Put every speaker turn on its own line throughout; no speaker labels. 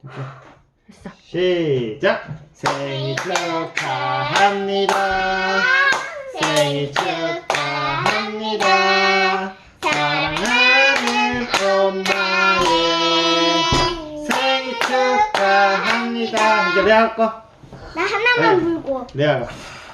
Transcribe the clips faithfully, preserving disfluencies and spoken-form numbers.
됐어.
시작! 생일 축하합니다. 생일 축하합니다. 사랑하는 엄마의 생일 축하합니다. 이제 레아 거.
나 하나만
네.
불고.
레아가.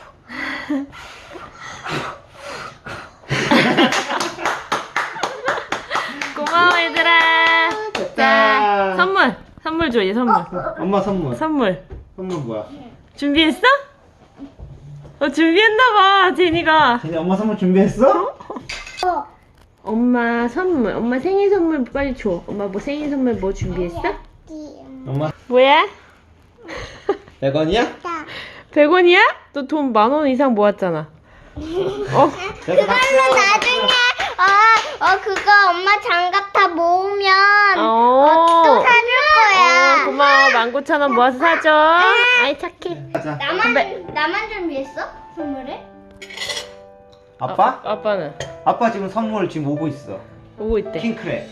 고마워 얘들아. 자, 선물. 선물 줘, 얘 선물.
엄마 선물.
선물.
선물 뭐야?
준비했어? 어, 준비했나봐, 제니가.
제니 엄마 선물 준비했어?
어.
엄마 선물. 엄마 생일 선물 빨리 줘. 엄마 뭐 생일 선물 뭐 준비했어?
엄마
뭐야?
백 원이야?
백 원이야? 너 돈 만 원 이상 모았잖아. 어?
그걸로 나중에 어, 어 그거 엄마 장갑 다 모으면
어.
어, 또 사줄 거야.
어, 고마워. 만 구천 원 모아서 사줘. 아이, 착해.
가자.
나만
근데-
나만 준비했어? 선물을?
아빠?
아, 아빠는
아빠 지금 선물 지금 오고 있어.
오고 있대.
킹크랩.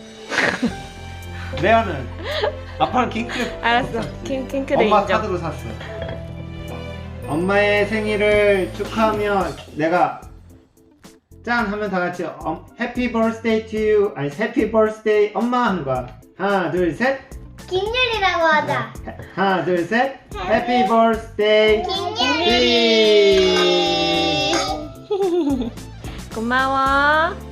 레아는 아빠는 킹크랩.
알았어. 킹, 킹크레
엄마
인정.
카드로 샀어. 엄마의 생일을 축하하며 내가 짠 하면 다 같이 어, 해피 버스데이 투 유 아니 해피 버스데이 엄마 하는 거야. 하나 둘 셋.
김율이라고 하자.
하나 둘 셋. 해피 버스데이
김율이.
고마워.